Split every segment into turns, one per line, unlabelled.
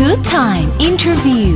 Good Time Interview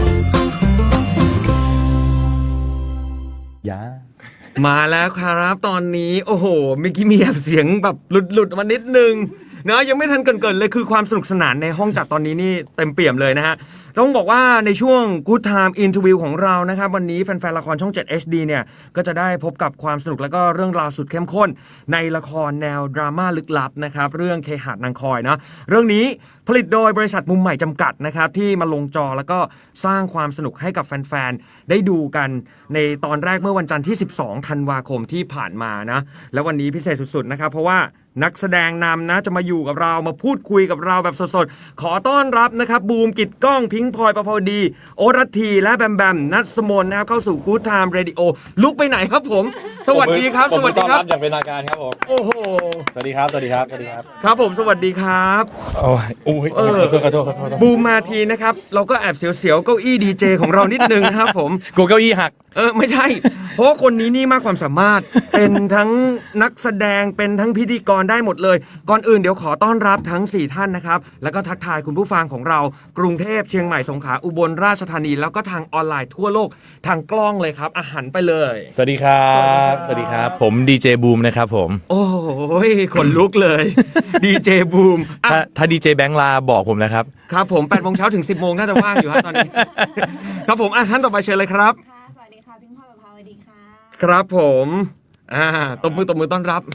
มาแล้วครับตอนนี้โอ้โหเมื่อกี้มีเสียงแบบหลุดมานิดนึงเนอะยังไม่ทันเกินเลยคือความสนุกสนานในห้องจัดตอนนี้นี่เต็มเปี่ยมเลยนะฮะต้องบอกว่าในช่วง Good Time Interview ของเรานะครับวันนี้แฟนๆละครช่อง 7 HD เนี่ยก็จะได้พบกับความสนุกและก็เรื่องราวสุดเข้มข้นในละครแนวดราม่าลึกลับนะครับเรื่องเคหะนางคอยนะเรื่องนี้ผลิตโดยบริษัทมุมใหม่จำกัดนะครับที่มาลงจอแล้วก็สร้างความสนุกให้กับแฟนๆได้ดูกันในตอนแรกเมื่อวันจันทร์ที่12ธันวาคมที่ผ่านมานะแล้ววันนี้พิเศษสุดๆนะครับเพราะว่านักแสดงนำนะจะมาอยู่กับเรามาพูดคุยกับเราแบบสดๆขอต้อนรับนะครับบูมกิตก้องพิงค์พลอยประภาวดีโอรัตทีและแบมแบมนัทสมนนะครับเข้าสู่ Good Time Radio ลุกไปไหนครับผมสวัสดีครับสวัสดีครับ
อย่างเป็นทางการครับผม
โอ้โห
สวัสดีครับสวัสดีครับสวัสดีครับ
ครับผมสวัสดีครับ
โอ้ยขอโทษ
บูมมาทีนะครับเราก็แอบเสียวๆเก้าอี้ดีเจของเรานิดนึงนะครับผม
กูเก้าอี้หัก
ไม่ใช่เพราะว่าคนนี้นี่มากความสามารถเป็นทั้งนักแสดงเป็นทั้งพิธีกรได้หมดเลยก่อนอื่นเดี๋ยวขอต้อนรับทั้ง4ท่านนะครับแล้วก็ทักทายคุณผู้ฟังของเรากรุงเทพเชียงใหม่สงขลาอุบลราชธานีแล้วก็ทางออนไลน์ทั่วโลกทางกล้องเลยครับอาหารไปเลย
สวัสดีครับสวัสดีครับผมดีเจบูมนะครับผม
โอ้ยขนลุกเลยดีเจบูม
ถ้าดีเจแบงค์ลาบอกผมนะครับ
ครับผม8 โมงเช้าถึง 10 โมงน่าจะว่างอยู่ครับตอนนี้ครับผมท่านต่อไปเชิญเลยครับ
สวัสดีค่ะพิงค์พลอยประภาวดีค่ะ
ครับผมตบมือต้อนรับ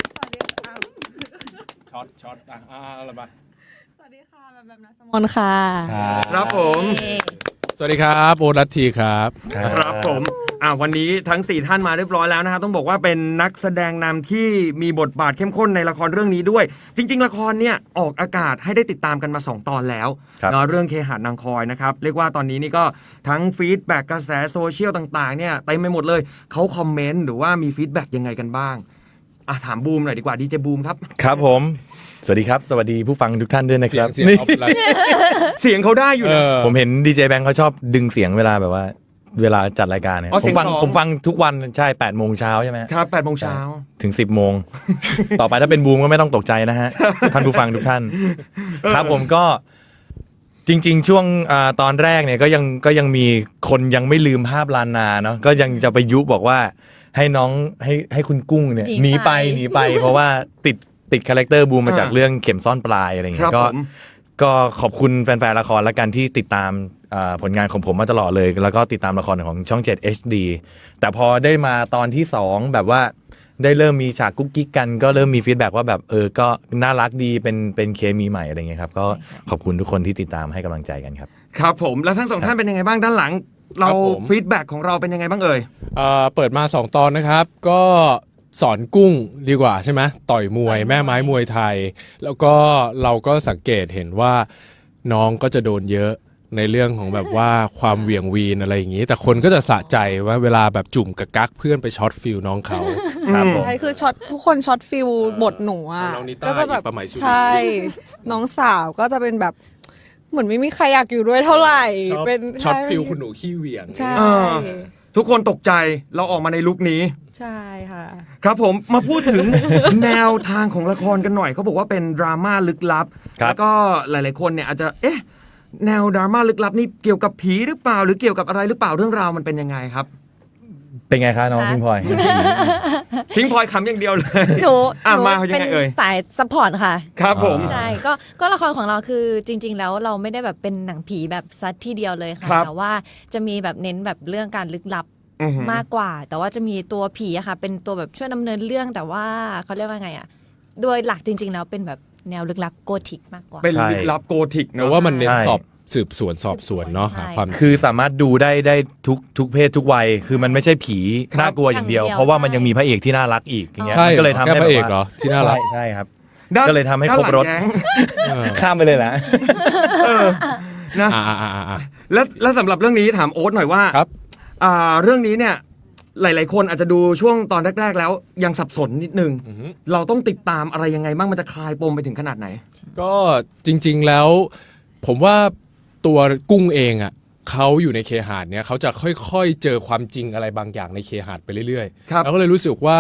ช็อตอะไรบ้าง
สวัสดีค่ะแบบนัทสมนค่ะ
ครับผม
สวัสดีครับโอรัตทีครับ
ครับผมวันนี้ทั้ง4ท่านมาเรียบร้อยแล้วนะครับต้องบอกว่าเป็นนักแสดงนำที่มีบทบาทเข้มข้นในละครเรื่องนี้ด้วยจริงๆละครเนี่ยออกอากาศให้ได้ติดตามกันมา2ตอนแล้วเนาะเรื่องเคหะนางคอยนะครับเรียกว่าตอนนี้นี่ก็ทั้งฟีดแบ็กกระแสโซเชียลต่างๆเนี่ยเต็มไปหมดเลยเขาคอมเมนต์หรือว่ามีฟีดแบ็กยังไงกันบ้างถามบูมหน่อยดีกว่าดีเจบูมครับ
ครับผมสวัสดีครับสวัสดีผู้ฟังทุกท่านด้วยนะครับ
เ
สียงเขาได้อยู่นะ
ผมเห็นดีเจแบงค์เขาชอบดึงเสียงเวลาแบบว่าเวลาจัดรายการเนี่ยผมฟังทุกวันใช่8 โมงเช้าใช่ไหม
ครับ8 โมงเช้า
ถึง10 โมงต่อไปถ้าเป็นบูมก็ไม่ต้องตกใจนะฮะท่านผู้ฟังทุกท่านครับผมก็จริงๆช่วงตอนแรกเนี่ยก็ยังมีคนยังไม่ลืมภาพลานนาเนาะก็ยังจะไปยุบอกว่าให้น้องให้คุณกุ้งเนี่ยหนีไปเพราะว่าติดคาแรคเตอร์บูมมาจากเรื่องเข็มซ่อนปลายอะไรเงี้ยก็ขอบคุณแฟนๆละครและกันที่ติดตามผลงานของผมมาตลอดเลยแล้วก็ติดตามละครของช่อง 7 HD แต่พอได้มาตอนที่2แบบว่าได้เริ่มมีฉากกุ๊กกิ๊กกันก็เริ่มมีฟีดแบ็กว่าแบบก็น่ารักดีเป็นเคมีใหม่อะไรเงี้ยครับก็ขอบคุณทุกคนที่ติดตามให้กำลังใจกันครับ
ครับผมแล้วทั้ง2ท่านเป็นยังไงบ้างด้านหลังเราฟีดแบ็กของเราเป็นยังไงบ้าง
เปิดมา2ตอนนะครับก็สอนกุ้งดีกว่าใช่ไหมต่อยมวยแม่ไม้มวยไทยแล้วก็เราก็สังเกตเห็นว่าน้องก็จะโดนเยอะในเรื่องของแบบว่าความเหวี่ยงวีนอะไรอย่างนี้แต่คนก็จะสะใจว่าเวลาแบบจุ่มกับกั๊กเพื่อนไปช็อตฟิลน้องเขา
ครับผมใช่คือช็อตทุกคนช็อตฟิลบทหนูอ่ะ
ก็จะแบบ
ใช่น้องสาวก็จะเป็นแบบเหมือนไม่มีใครอยากอยู่ด้วยเท่าไหร่
เป็นช็อตฟิลคุณหนูขี้เหวี่ยง
ใช่
ทุกคนตกใจเราออกมาในลุคนี้
ใช่ค่ะ
ครับผมมาพูดถึง แนวทางของละครกันหน่อยเขาบอกว่าเป็นดราม่าลึกลับแล้วก็หลายๆคนเนี่ยอาจจะแนวดราม่าลึกลับนี่เกี่ยวกับผีหรือเปล่าหรือเกี่ยวกับอะไรหรือเปล่าเรื่องราวมันเป็นยังไงครับ
เป็นไงคะน้องพิงพลอย
พิงพลอยขำอย่างเดียวเลย
หนู
มาเขายังไง
สายซัพพอร์ตค่ะ
ครับผม
ใช่ก็ละครของเราคือจริงๆแล้วเราไม่ได้แบบเป็นหนังผีแบบซัดที่เดียวเลยค่ะแต่ว่าจะมีแบบเน้นแบบเรื่องการลึกลับมากกว่าแต่ว่าจะมีตัวผีอะค่ะเป็นตัวแบบช่วยดำเนินเรื่องแต่ว่าเขาเรียกว่าไงอะโดยหลักจริงๆแล้วเป็นแบบแนวลึกลับโกธิกมากกว่า
เป็นลึกลับโกธิก
เนอะว่ามันเน้นสืบสวนสอบสวนเนาะ
ความคือสามารถดูได้ทุกเพศทุกวัยคือมันไม่ใช่ผีน่ากลัวอย่างเดียวเพราะว่ามันยังมีพระเอกที่น่ารักอีกอย่างเงี้ยก็เลยทำให้
พระเอกเหรอที่น่ารัก
ใช่ครับก็เลยทำให้ครบรถข้ามไปเลยนะ
นะแล้วสำหรับเรื่องนี้ถามโอ๊ตหน่อยว่าเรื่องนี้เนี่ยหลายๆคนอาจจะดูช่วงตอนแรกๆแล้วยังสับสนนิดนึงเราต้องติดตามอะไรยังไงบ้างมันจะคลายปมไปถึงขนาดไหน
ก็จริงๆแล้วผมว่าตัวกุ้งเองอ่ะเขาอยู่ในเคหะเนี่ยเขาจะค่อยๆเจอความจริงอะไรบางอย่างในเคหะไปเรื่อยๆแล้วก็เลยรู้สึกว่า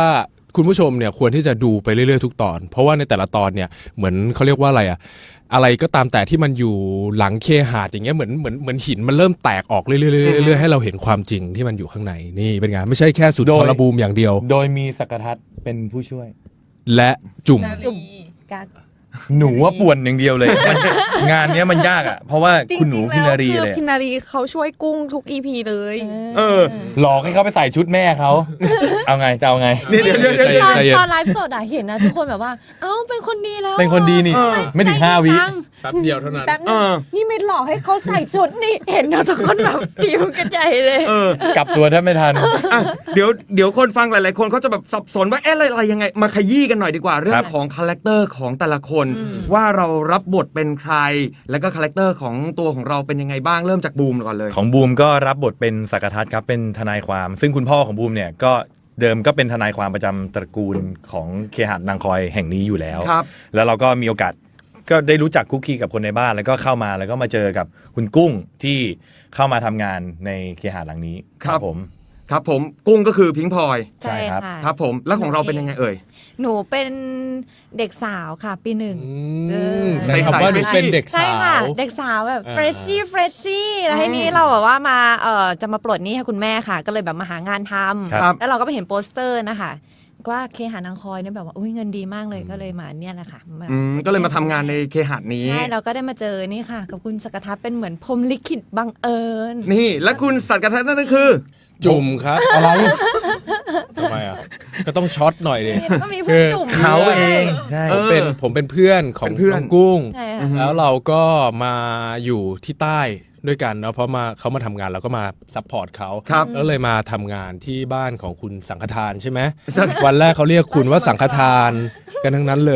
คุณผู้ชมเนี่ยควรที่จะดูไปเรื่อยๆทุกตอน เพราะว่าในแต่ละตอนเนี่ยเหมือนเขาเรียกว่าอะไรอะอะไรก็ตามแต่ที่มันอยู่หลังเคหะอย่างเงี้ยเหมือนหินมันเริ่มแตกออกเรื่อยๆให้เราเห็นความจริงที่มันอยู่ข้างในนี่เป็นไงไม่ใช่แค่สุดทรบูมอย่างเดียว
โดยมีสักทัศน์เป็นผู้ช่วย
และจุ่ม
กัก
หนูว่าป่วนอย่างเดียวเลยมันงานเนี้ยมันยากอ่ะเพราะว่าคุณหนูพินารี
คือ
เลย
พินารีเขาช่วยกุ้งทุก EP เลย
เออ
หลอกให้เขาไปใส่ชุดแม่เขาเอาไงจะเอาไง
เดี๋ยว
ใจเย็น
ตอนไลฟ์สดอะเห็นนะทุกคนแบบว่า เอ้าเป็นคนดีแล้ว
เป็นคนดีนี่ ไม่ถึง5 วิ
แป๊บเดียวเท่านั้น
แป๊บนึ
เอง อ
นี่ไม่หลอกให้เขาใส่ชุดนี่เห็นนะทุกคนแบบผิวกันใหญ่เลย
เออ
กลับตัวแทบไม่ทัน
อ่ะเดี๋ยวคนฟังหลายๆคนเขาจะแบบสับสนว่าเอ๊ะอะไรยังไงมาขยี้กันหน่อยดีกว่าเรื่อ
ครั
ง
บ
ของคาแรคเตอร์ของแต่ละคน ว่าเรารับบทเป็นใคร แล้วก็คาแรคเตอร์ของตัวของเราเป็นยังไงบ้างเริ่มจากบูมก่อนเลย
ของบูมก็รับบทเป็นสักทัศน์ครับเป็นทนายความ ซึ่งคุณพ่อของบูมเนี่ยก็เดิมก็เป็นทนายความประจำตระกูลของเคหะนางคอยแห่งนี้อยู่แล้ว
ครับ
แล้วเราก็มีโอกาสก็ได้รู้จักคุกคีกับคนในบ้านแล้วก็เข้ามาแล้วก็มาเจอกับคุณกุ้งที่เข้ามาทำงานในเคหะหลังนี้
ครับ
ผม
ครับผมกุ้งก็คือพิงพลอย
ใช่ครับ
ะ
ครับผมแล้วของเราเป็นยังไงเอ่ย
หนูเป็นเด็กสาวค่ะปีหนึ่ง
ใช้คำว่าหนูเป็นเด็ก
ใช่
สา
ค่ะ
ว
เด็กสาวแบบ
อ่า
เฟรชชี่แล้วทีนี้เราแบบว่ามาจะมาปลดหนี้ให้คุณแม่ค่ะ ก็เลยแบบมาหางานท
ครับ
ำแล้วเราก็ไปเห็นโปสเตอร์นะคะว่าเคหานางคอยเนี่ยแบบว่าอุ้ยเงินดีมากเลยก็เลยมาเนี่ยแหละค่ะมา
ก็เลยมาทำงานในเคหะนี้
ใช่เราก็ได้มาเจอนี่ค่ะ กับคุณสกทัศน์เป็นเหมือนพรหมลิขิตบังเอิญ
นี่และคุณสัตว์กระทัดนั่นก็คือ
จุ่มครับอะไรทำไมอ่ะก็ต้องช็อตหน่อยดิ
แล้วก็มีผู้จุ่ม
เขา
ด้วย
เองใช่
ผมเป็นเพื่อนของ
เป็นเพื่อน
น้องกุ้ง
ใช่ค่ะ
แล้วเราก็มาอยู่ที่ใต้ด้วยกันเนาะเพราะเขามาทำงานเราก็มาซัพพอร์ตเขา
ครับ
แล้วเลยมาทำงานที่บ้านของคุณสังฆทานใช่ไหมวันแรกเขาเรียกคุณว่าสังฆทานกันทั้งนั้นเลย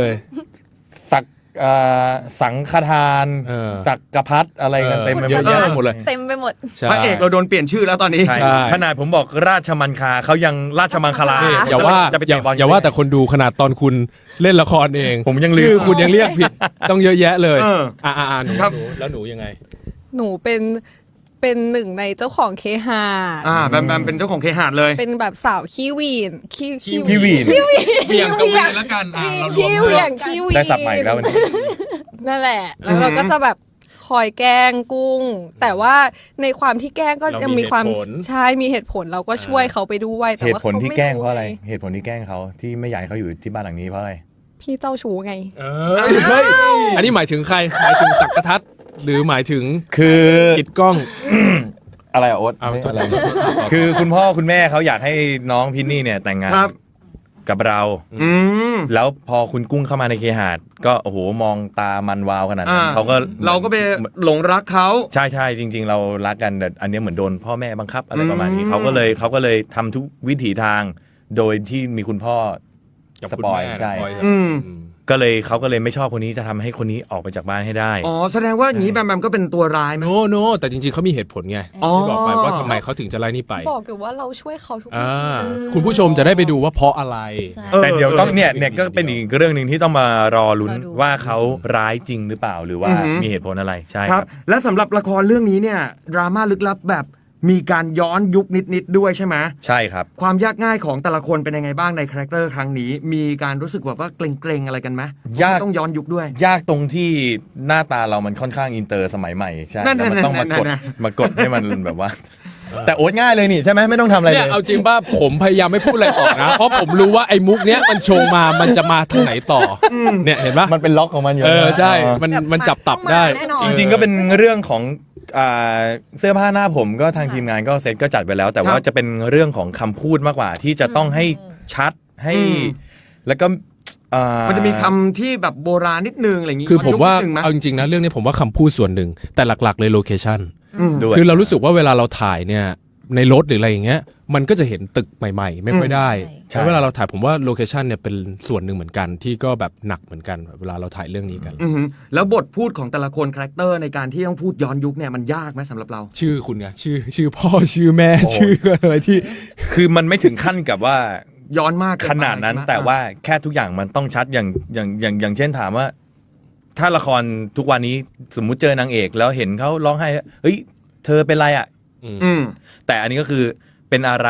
สังฆทาน
เออ
สักกพัดอะไรกันเต็มไปหม
เยอะ
ด
แยะไปหมดเลย
เต็มไปหมด
ใช่
พระเอกเราโดนเปลี่ยนชื่อแล้วตอนนี้
ใช่
ใช่
ขนาดผมบอกราชมังคลาเขายังราชมังคลา
นี่อย่าว่า
จะไป
อย่า
เตะบอล
อย่าว่าแต่คนดูขนาดตอนคุณเล่นละครเอง
ผมยังลืม
ชื่อคุณยังเรียกผิดต้องเยอะแยะเลย
เออ
หนู
ครับ
แล้วหนูยังไง
หนูเป็นหนึ่งในเจ้าของเคหะ
แบมเป็นเจ้าของเคหะเลย
เป็นแบบสาวขี้หวีนขี้
พี่วีน
เบี่ยงกับเวียนแล้วกันเรารวม
ขี้เหวี่ยงขี้หวีน
ได้สับใหม่อีกแล้ววันนี้
นั่นแหละ แล้วเราก็จะแบบคอยแกล้งกุ้ง แต่ว่าในความที่แกล้งก็ยังมีความใช่มีเหตุผลเราก็ช่วยเขาไปด้วยแต่
เหตุ
ว่า
ผลที่
ขม่
แกล้งเพราะอะไร เหตุผลที่แกล้งเขาที่ไม่อยากให้เขาอยู่ที่บ้านหลังนี้เพราะอะไร
พี่เจ้าชู้ไง
เฮ้ยอันนี้หมายถึงใครหมายถึงสักกทัศน์หรือหมายถึง
คือ
กิดกล้อง
อะไรอะโอ๊ต
เอา
ไม่
ตัว
อะไรคือคุณพ่อคุณแม่เขาอยากให้น้องพินนี่เนี่ยแต่งงาน
ครับ
กับเรา
อืม
แล้วพอคุณกุ้งเข้ามาในเคหะก็โอ้โหมองตามันวาวขนาดนั้นเขาก็
เราก็ไปหลงรักเขา
ใช่ใช่จริง ๆ เรารักกันแต่อันเนี้ยเหมือนโดนพ่อแม่บังคับอะไรประมาณนี้
อืม
เขาก็เลยทำทุกวิถีทาง โดยที่มีคุณพ่อ
กับ
ส
คุณ
ปอย
แม่
ใช่
คอย
อืม
เขาก็เลยไม่ชอบคนนี้จะทำให้คนนี้ออกไปจากบ้านให้ได้
อ๋อแสดงว่าอย่างนี้แบมก็เป็นตัวร้ายไหม
โนแต่จริงๆเขามีเหตุผลไง
อ๋อ
ที่บอกไปว่าทำไมเขาถึงจะไล่นี่ไป
บอกอยู่ว่าเราช่วยเขาทุก
อ่า
ที
คุณผู้ชมจะได้ไปดูว่าเพราะอะไร
ใช่
แต่เดี๋ยวต้องเนี่ยก็เป็นอีกเรื่องหนึ่งที่ต้องมารอลุ้น
รอดู
ว่าเขาร้ายจริงหรือเปล่าหรือว่า
อือหือ
มีเหตุผลอะไรใช่
ค
ค
รั
รับ บ
และสำหรับละครเรื่องนี้เนี่ยดราม่าลึกลับแบบมีการย้อนยุคนิดๆด้วยใช่ไหม
ใช่ครับ
ความยากง่ายของแต่ละคนเป็นยังไงบ้างในคาแรคเตอร์ครั้งนี้ มีการรู้สึกแบบว่าเกรงๆอะไรกันไหม
ยาก
ต้องย้อนยุคด้วย
ยากตรงที่หน้าตาเรามันค่อนข้างอินเตอร์สมัยใหม่ใช่
นั่น
แล้วมันต้อง
นั่
มาน กด
นั่น
มากดให้มันแบบว่า แต่โอ๊ตง่ายเลยนี่ใช่ไหมไม่ต้องทำอะไร
เนี่
เลย ย
เอาจริงป่ะผมพยายามไม่พูดอะไรออกนะ เพราะผมรู้ว่าไอ้มุกเนี้ยมันโชว์มามันจะมาทางไหนต่ออเนี่ยเห็นป่ะ
มันเป็นล็อกของมันอยู่
ใช่
อ๋อ
มันจับตับได้
แน่นอน
จริงๆก็เป็นเรื่องของเสื้อผ้าหน้าผมก็ทางทีมงานก็เซตก็จัดไปแล้ว แต่ว่า
ครับ
จะเป็นเรื่องของคำพูดมากกว่า ที่จะต้องให้ชัดให้ แล้วก็
มันจะมีคำที่แบบโบราณนิดนึงอะไรอย่างงี้
คือผมว่า
ยุคนิดนึงไหม
เอาจริงๆนะเรื่องนี้ผมว่าคำพูดส่วนหนึ่งแต่หลักๆเลยโลเคชั่น
ด้วย
คือเรารู้สึกว่าเวลาเราถ่ายเนี่ยในรถหรืออะไรอย่างเงี้ยมันก็จะเห็นตึกใหม่ๆ ไม่ค่อยได้
ใช่
แล้วเวลาเราถ่ายผมว่าโลเคชันเนี่ยเป็นส่วนหนึ่งเหมือนกันที่ก็แบบหนักเหมือนกันเวลาเราถ่ายเรื่องนี้กัน
อือหือแล้วบทพูดของแต่ละคนคาแรคเตอร์ในการที่ต้องพูดย้อนยุคเนี่ยมันยากไหมสำหรับเรา
ชื่อคุณไงชื่อพ่อชื่อแม่ชื่ออะไรที่
คือมันไม่ถึงขั้นกับว่า
ย้อนมากเกิ
ข
ไป
นาดนั้น
ใช่ไหม
แต่ว่าแค่ทุกอย่างมันต้องชัดอย่างเช่นถามว่า ถ้าละครทุกวันนี้สมมุติเจอนางเอกแล้วเห็นเขาร้องไห้เฮ้ยเธอเป็นไรอ่ะ
อืม
แต่อันนี้ก็คือเป็นอะไร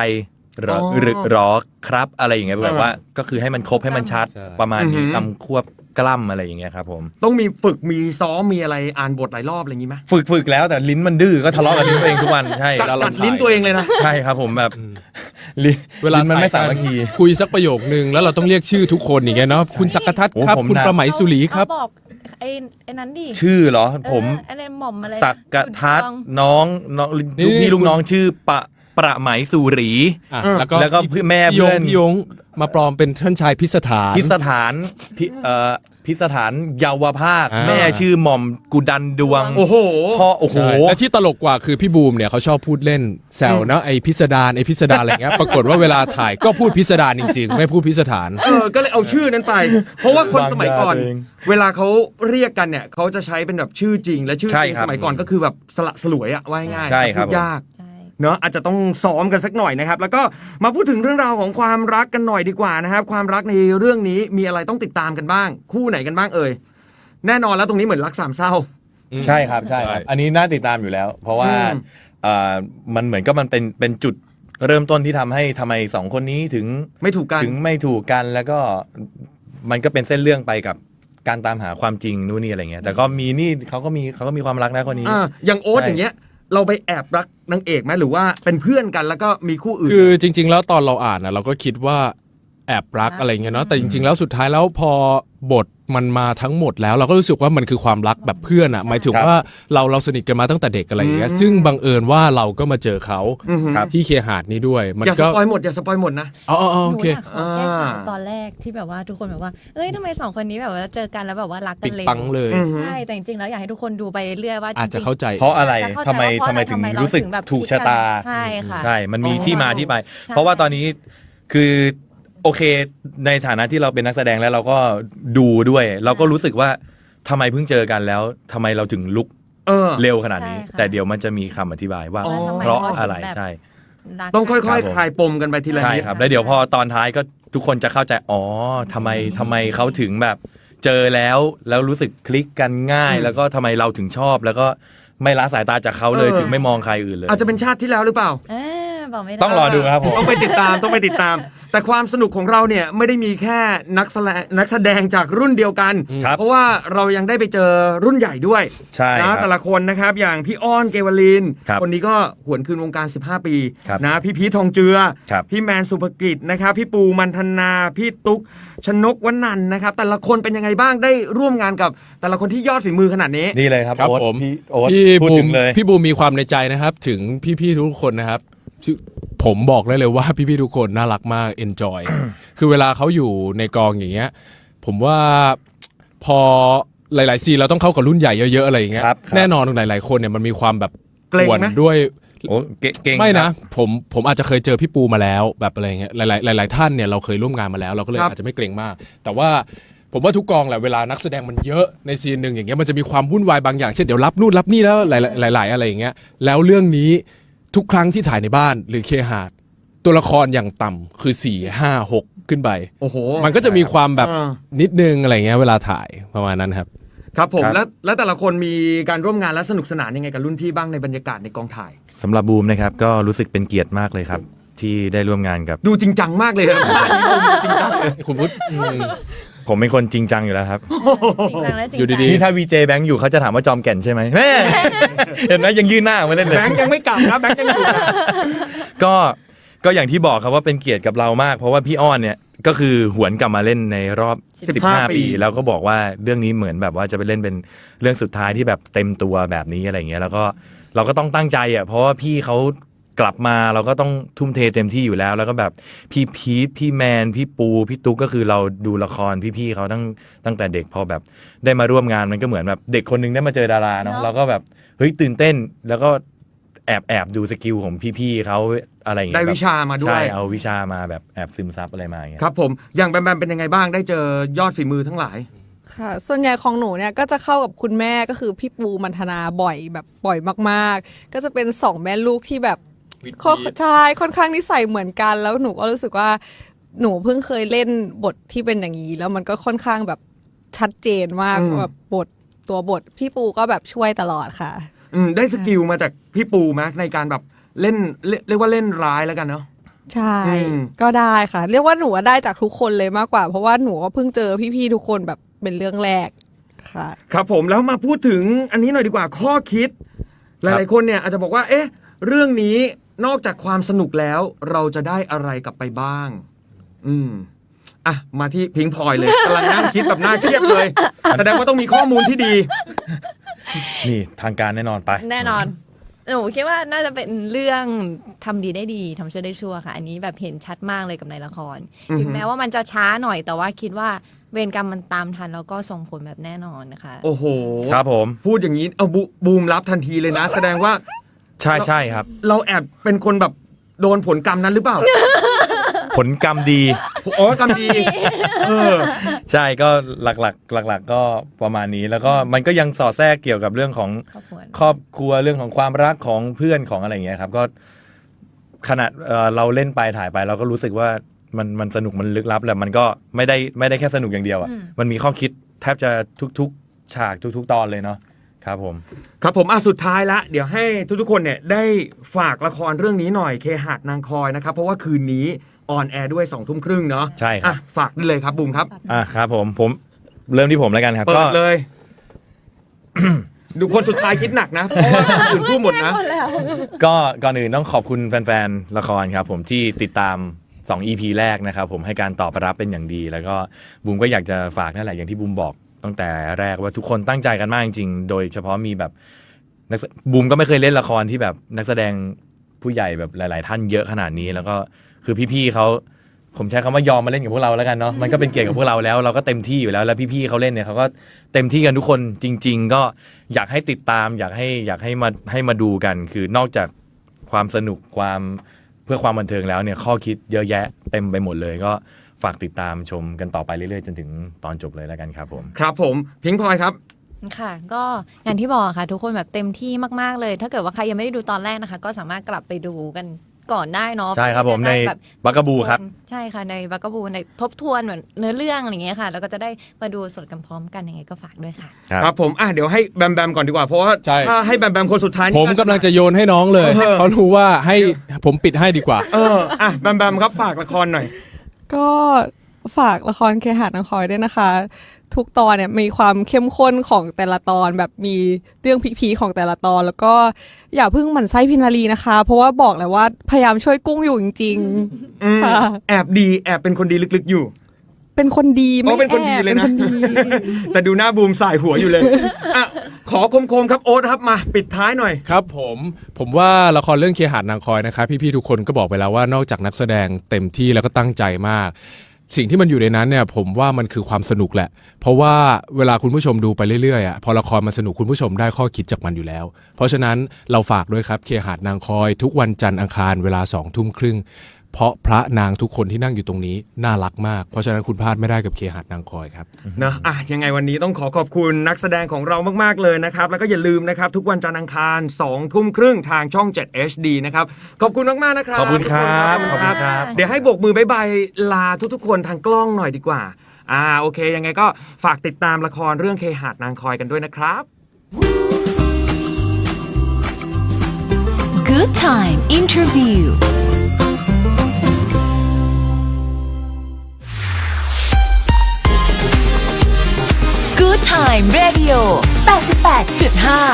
รอหรือรอครับอะไรอย่างเงี้ยแบบว่าก็คือให้มันครบให้มันชัด
ใช่
ประมาณนี้คำควบกล้ำอะไรอย่างเงี้ยครับผม
ต้องมีฝึกมีซ้อมมีอะไรอ่านบทหลายรอบอะไรอย่างงี้ไหม
ฝึกแล้วแต่ลิ้นมันดื้อก็ทะเลาะกับลิ้นตัวเองทุกวันใช่
กัดลิ้นตัวเองเลยนะ
ใช่ครับผมแบบลิ้น
เวลา
ลิ้นมันไม่สามัคคี
คุยสักประโยคนึงแล้วเราต้องเรียกชื่อทุกคนอย่างเงี้ยเนาะคุณสักกทัศน์
โอ้
ครับ
ผม
คุณ
นะ
ประไหมสุรีครับ
เอาบอกไอ้นั้นดิ
ชื่อเหรอผม
อะไรหม่อมอะไร
สักกะทัศ
ขุ
น์
นทอง
น้องลูกพี่
นี่
ลูกน้องชื่อประไหมสุรี
อ่ะ
แล้วก็แม่
พี่ย
เพื่
ง
อน
พี่ยงมาปลอมเป็นท่านชายพิสถาน
พิสถานพิสถานเยาวภาค
อ่า
แม่ชื่อหม่อมกุดันดวง
โอ้โห
พ่อโอ้โห
ใช่และที่ตลกกว่าคือพี่บูมเนี่ยเขาชอบพูดเล่นแซวนะไอพิสดารอะไรเงี้ยปรากฏว่าเวลาถ่ายก็พูดพิสดารจริงๆ ไม่พูดพิสถาน
ก็เลยเอาชื่อนั้นไป เพราะว่าคนสมัยก่อน
วางยาตัวเอง
เวลาเขาเรียกกันเนี่ยเขาจะใช้เป็นแบบชื่อจริง และชื่อ
ใช่
จริง
ครั
ส
บ
มัยก่อนก็คือแบบสละสลวยอะว่าง่ายๆ
ใช่ครับ
พูดยาก
ใช่
เนอะอาจจะต้องซ้อมกันสักหน่อยนะครับ แล้วก็มาพูดถึงเรื่องราวของความรักกันหน่อยดีกว่านะครับ ความรักในเรื่องนี้มีอะไรต้องติดตามกันบ้าง คู่ไหนกันบ้างเอ่ยแน่นอนแล้วตรงนี้เหมือนรักสามเศร้า
ใช่ครับใช่ครับ
ใช่
อันนี้น่าติดตามอยู่แล้ว เพราะว่า
อืม
มันเหมือนกับมันเป็นจุดเริ่มต้นที่ทำให้ทำไมสองคนนี้ถึง
ไม่ถูกกัน
ถึงไม่ถูกกันแล้วก็มันก็เป็นเส้นเรื่องไปกับการตามหาความจริงนู่นนี่อะไรเงี้ยแต่ก็มีนี่เขาก็มีความรักนะคนนี้
อย่างโอ๊ต
ใช่
อย่างเงี้ยเราไปแอบรักนางเอกไหมหรือว่าเป็นเพื่อนกันแล้วก็มีคู่อื่น
คือจริง ๆ แล้วตอนเราอ่านนะเราก็คิดว่าแอบรักอะไรเงี้ยเนาะแต่จริง ๆ แล้วสุดท้ายแล้วพอบทมันมาทั้งหมดแล้วเราก็รู้สึกว่ามันคือความรักแบบเพื่อนอะหมายถึงว่าเราสนิทกันมาตั้งแต่เด็กอะไรอย่างเงี้ยซึ่งบังเอิญว่าเราก็มาเจอเขา
ครับ
ที่เคหาดนี้ด้วยมัน
อย่าส
ก็
ปอยหมดอย่าสปอยหมดนะ
อ๋อ
ห
โอ
นู
เค
อยากขอแก้ข่าวตอนแรกที่แบบว่าทุกคนแบบว่าเอ้ยทำไมสองคนนี้แบบว่าเจอกันแล้วแบบว่ารักกั
ปิด
นเร็ว
ปังเลย
ใช่แต่จริงๆแล้วอยากให้ทุกคนดูไปเรื่อยว่าจริงๆ
อาจจะเข้าใจ
เพราะอะไร
จเข้าใจ
ทำไม
ว่าเพราะ
ทำไม
อะ
ถึง
เา
รู้สึก
แบบ
ถูกชะตา
ใช่ค่ะ
ใช่ มันมี
อ๋อ
ที่มาที่ไป
ใช่
เพราะว่าตอนนี้คือโอเคในฐานะที่เราเป็นนักแสดงแล้วเราก็ดูด้วย เราก็รู้สึกว่าทำไมเพิ่งเจอกันแล้วทำไมเราถึงลุก เร็วขนาดนี้
ใช่ค่ะ
แต่เดี๋ยวมันจะมีคำอธิบายว่า
อ๋อ
เพราะอะไร
ทำไมเขาถึงแบบ
ใช่
รัก
ต้องค่
ครั
อย
บผม
ๆคลายปมกันไปทีละ
ใช่
นิด
ครับ แล้วเดี๋ยวพอตอนท้ายก็ทุกคนจะเข้าใจอ๋อทำไมเขาถึงแบบเจอแล้วรู้สึกคลิกกันง่าย แล้วก็ทำไมเราถึงชอบ แล้วก็ไม่ละสายตาจากเขาเลยถึงไม่มองใครอื่นเลย
อาจจะเป็นชาติที่แล้วหรือเปล่า
บอกไม่ได้
ต้องรอดูครับผม
ต้องไปติดตามต้องไปติดตาม แต่ความสนุกของเราเนี่ยไม่ได้มีแค่นักแสดงจากรุ่นเดียวกัน
ครับ
เพราะว่าเรายังได้ไปเจอรุ่นใหญ่ด้วย
ใช่ครั
นะ
บ
แต่ละคนนะครับอย่างพี่อ้อนเกวลิน
ครับ
คนนี้ก็หวนคืนวงการ 15 ปี
ครับ
นะพี่พีททองเจือ
ครับ
พี่แมนสุภกิจนะครับพี่ปูมันธนาพี่ตุ๊กชนกวนันท์นะครับแต่ละคนเป็นยังไงบ้างได้ร่วมงานกับแต่ละคนที่ยอดฝีมือขนาดนี้
นี่เลยครับ
ครับ
โอ๊ต
ผม
พี่โอ๊ต
พี่
พูด
บู
ถึ
ม
งเลย
พี่บูมมีความในใจนะครับ ถึงพี่ๆทุกคนนะครับผมบอกได้เลยว่าพี่ๆทุกคนน่ารักมาก enjoy คือเวลาเขาอยู่ในกองอย่างเงี้ยผมว่าพอหลายๆซีนเราต้องเข้ากับรุ่นใหญ่เยอะๆอะไรอย่างเงี้ย
ครับ
แน่นอนหลายๆคนเนี่ยมันมีความแบบ
เกรง
กวน
ไหม
ด้วย
โอ้เก่ง
ไม่
ค
นะ
รับ
ผมอาจจะเคยเจอพี่ปูมาแล้วแบบอะไรเงี้ยหลายท่านเนี่ยเราเคยร่วมงานมาแล้ว เราก็เลย
ครับ
อาจจะไม่เกรงมาก แต่ว่าผมว่าทุกกองแหละเวลานักแสดงมันเยอะในซีนหนึ่งอย่างเงี้ยมันจะมีความวุ่นวายบางอย่างเช่นเดี๋ยวรับนู่นรับนี่แล้วหลายอะไรอย่างเงี้ยแล้วเรื่องนี้ทุกครั้งที่ถ่ายในบ้านหรือเคหาดตัวละครอย่างต่ำคือ4 5 6ขึ้นไป
โอ้โห
มันก็จะมีความแบบ
อ่า
นิดนึงอะไรเงี้ยเวลาถ่ายประมาณนั้นครับ
ครับผม
ครับ
แล้วแต่ละคนมีการร่วมงานและสนุกสนานยังไงกับรุ่นพี่บ้างในบรรยากาศในกองถ่าย
สำหรับบูมนะครับก็รู้สึกเป็นเกียรติมากเลยครับ ที่ได้ร่วมงานกับ
ดูจริงจังมากเลยครับ จริงจังเลย
คุณพุทธ
ผมเป็นคนจริงจังอยู่แล้วครับ
จริงจังและจริง
อยู่
ใจ
ดี
นี่ถ้าวีเจแบงค์อยู่เขาจะถามว่าจอมแก่นใช่ไหมแม่ เห็นไหมยังยื่นหน้าออกมาเล่นเลย
แบงค์ยังไม่กลับนะแบงค์ยังอยู่นะ
ก็อย่างที่บอกครับว่าเป็นเกียรติกับเรามาก เพราะว่าพี่อ้อนเนี่ยก็คือหวนกลับมาเล่นในรอบ 15 ปี แล้วก็บอกว่าเรื่องนี้เหมือนแบบว่าจะไปเล่นเป็นเรื่องสุดท้ายที่แบบเต็มตัวแบบนี้อะไรเงี้ยแล้วก็เราก็ต้องตั้งใจอ่ะเพราะว่าพี่เขากลับมาเราก็ต้องทุ่มเทเต็มที่อยู่แล้ว แล้วก็แบบพี่พีทพี่แมนพี่ปูพี่ตุ๊กก็คือเราดูละครพี่ๆเขาตั้งแต่เด็กพอแบบได้มาร่วมงานมันก็เหมือนแบบเด็กคนนึงได้มาเจอดาราเนาะเราก็แบบเฮ้ยตื่นเต้นแล้วก็แอบดูสกิลของพี่ๆเขาอะไรอย่างเงี้
ได้
ย
วิชามาด้ว
ใช่
ย
เอาวิชามาแบบแอบซึมซับอะไรมาอย่างเงี้ย
ครับผมอย่างแบมแบมเป็นยังไงบ้างได้เจอยอดฝีมือทั้งหลาย
ค่ะ ส่วนใหญ่ของหนูเนี่ยก็จะเข้ากับคุณแม่ก็คือพี่ปูมันธนาบ่อยแบบบ่อยมากๆ ก็จะเป็นสองแม่ลูกที่แบบใช่ค่อนข้างนิสัยเหมือนกันแล้วหนูก็รู้สึกว่าหนูเพิ่งเคยเล่นบทที่เป็นอย่างนี้แล้วมันก็ค่อนข้างแบบชัดเจนมาก แบบตัวบทพี่ปูก็แบบช่วยตลอดค่ะ
ได้สกิลมาจากพี่ปูไหมในการแบบเล่นเรียกว่าเล่นร้ายแล้วกันเนาะ
ใช่ก็ได้ค่ะ เรียกว่าหนูได้จากทุกคนเลยมากกว่า เพราะว่าหนูก็เพิ่งเจอพี่ๆทุกคนแบบเป็นเรื่องแรกค่ะ
ครับผมแล้วมาพูดถึงอันนี้หน่อยดีกว่าข้อคิด หลายๆคนเนี่ยอาจจะบอกว่าเอ๊ะเรื่องนี้นอกจากความสนุกแล้วเราจะได้อะไรกลับไปบ้างอ่ะมาที่พิงพลอยเลยกำลังนั่งคิดแบบน่าเครียดเลยแสดงว่าต้องมีข้อมูลที่ดี
นี่ทางการแน่นอนไป
แน่นอนหนูคิดว่าน่าจะเป็นเรื่องทำดีได้ดีทำชั่วได้ชั่วค่ะอันนี้แบบเห็นชัดมากเลยกับในละครถึงแม้ว่ามันจะช้าหน่อยแต่ว่าคิดว่าเวรกรรมมันตามทันแล้วก็ส่งผลแบบแน่นอนนะคะ
โอ้โห
ครับผม
พูดอย่างนี้เอาบูมรับทันทีเลยนะ แสดงว่า
ใช่ครับ
เราแอบเป็นคนแบบโดนผลกรรมนั้นหรือเปล่า
ผลกรรมดี
อ๋อกรรมดีอ
ใช่ก็หลักๆก็ประมาณนี้แล้วก็มันก็ยังสอดแทรกเกี่ยวกับเรื่องของ
ครอบครัว
ครอบครัวเรื่องของความรักของเพื่อนของอะไรอย่างเงี้ยครับก็ขนาดเราเล่นไปถ่ายไปเราก็รู้สึกว่ามันสนุกมันลึกลับแหละมันก็ไม่ได้แค่สนุกอย่างเดียวอ่ะมันมีข้อคิดแทบจะทุกๆฉากทุกๆตอนเลยเนาะครับผม
ครับผมสุดท้ายละเดี๋ยวให้ทุกๆคนเนี่ยได้ฝากละครเรื่องนี้หน่อยเคหะนางคอยนะครับเพราะว่าคืนนี้ออนแอร์ด้วย 20:30 เนาะ
ใช่ครับ
ฝากได้เลยครับบูมครับ
ครับผมเริ่มที่ผมแล้วกันครับ
เปิ
ก็
ดเลย ดูคนสุดท้ายคิดหนักนะเพราะว่าคนอื่นพูดหมดนะ
ก็ก่อนอื่นต้องขอบคุณแฟนๆละครครับผมที่ติดตาม2 EP แรกนะครับผมให้การตอบรับเป็นอย่างดี แล้วก็บูมก็อยากจะฝากนั่นแหละอย่างที่บูมบอกตั้งแต่แรกว่าทุกคนตั้งใจกันมากจริงๆโดยเฉพาะมีแบบบูมก็ไม่เคยเล่นละครที่แบบนักแสดงผู้ใหญ่แบบหลายๆท่านเยอะขนาดนี้แล้วก็คือพี่ๆเขาผมใช้คำว่ายอมมาเล่นกับพวกเราแล้วกันเนาะมันก็เป็นเกียรติกับพวกเราแล้วเราก็เต็มที่อยู่แล้วแล้วพี่ๆเขาเล่นเนี่ยเขาก็เต็มที่กันทุกคนจริง ๆ ก็อยากให้ติดตามอยากให้มาดูกันคือนอกจากความสนุกความเพื่อความบันเทิงแล้วเนี่ยข้อคิดเยอะแยะเต็มไปหมดเลยก็ฝากติดตามชมกันต่อไปเรื่อยๆจนถึงตอนจบเลยแล้วกันครับผม
ครับผมพิงพลอยครับ
ค่ะก็อย่างที่บอกค่ะทุกคนแบบเต็มที่มากๆเลย ถ้าเกิดว่าใครยังไม่ได้ดูตอนแรกนะคะ ก็สามารถกลับไปดูกันก่อนได้เนาะ
ใช่ครับผมใน
แบบ
บักกะบูครับ
ใช่ค่ะในบักกะบูในทบทวนเหมือนเนื้อเรื่องอะไรอย่างเงี้ยค่ะ แล้วก็จะได้มาดูสดกันพร้อมกันยังไงก็ฝากด้วยค่ะ
ครับผมเดี๋ยวให้แบมก่อนดีกว่าเพราะว่า
ใช่
ถ้าให้แบมคนสุดท้ายนี่
ผมกำลังจะโยนให้น้องเลยเพราะรู้ว่าให้ผมปิดให้ดีกว่า
แบมครับฝากละครหน่อย
ก็ฝากละครเคหะนางคอยด้วยนะคะ ทุกตอนเนี่ยมีความเข้มข้นของแต่ละตอนแบบมีเรื่องพีคๆของแต่ละตอน แล้วก็อย่าเพิ่งหมั่นไส้พินารีนะคะ เพราะว่าบอกเลยว่าพยายามช่วยกุ้งอยู่จริงๆค่ะ
แอบเป็นคนดีลึกๆอยู่
เป็นคนดีไม่
เป็นคนดี
แอบ
เลย
เป็น
นะ
คนดี
แต่ดูหน้าบูมสายหัวอยู่เลยขอคมๆครับโอ๊ตครับมาปิดท้ายหน่อย
ครับผมว่าละครเรื่องเคหะนางคอยนะครับพี่ๆทุกคนก็บอกไปแล้วว่านอกจากนักแสดงเต็มที่แล้วก็ตั้งใจมาก สิ่งที่มันอยู่ในนั้นเนี่ยผมว่ามันคือความสนุกแหละเพราะว่าเวลาคุณผู้ชมดูไปเรื่อยๆพอละครมันสนุกคุณผู้ชมได้ข้อคิดจากมันอยู่แล้วเพราะฉะนั้นเราฝากด้วยครับเคหะนางคอยทุกวันจันทร์อังคารเวลา 20:30 เพราะพระนางทุกคนที่นั่งอยู่ตรงนี้น่ารักมากเพราะฉะนั้นคุณพลาดไม่ได้กับเคหะนางคอยครับ
นะยังไงวันนี้ต้องขอบคุณนักแสดงของเรามากๆเลยนะครับแล้วก็อย่าลืมนะครับทุกวันจันทร์อังคาร 20:30 ทางช่อง 7 HD นะครับขอบคุณมากๆนะครับ
ขอบคุณครับ
ทุกน
ขอบคุณครับ
เดี๋ยวให้โบกมือบ๊ายบายลาทุกๆคนทางกล้องหน่อยดีกว่าโอเคยังไงก็ฝากติดตามละครเรื่องเคหะนางคอยกันด้วยนะครับ
Good Time Interview Good Time Radio 88.5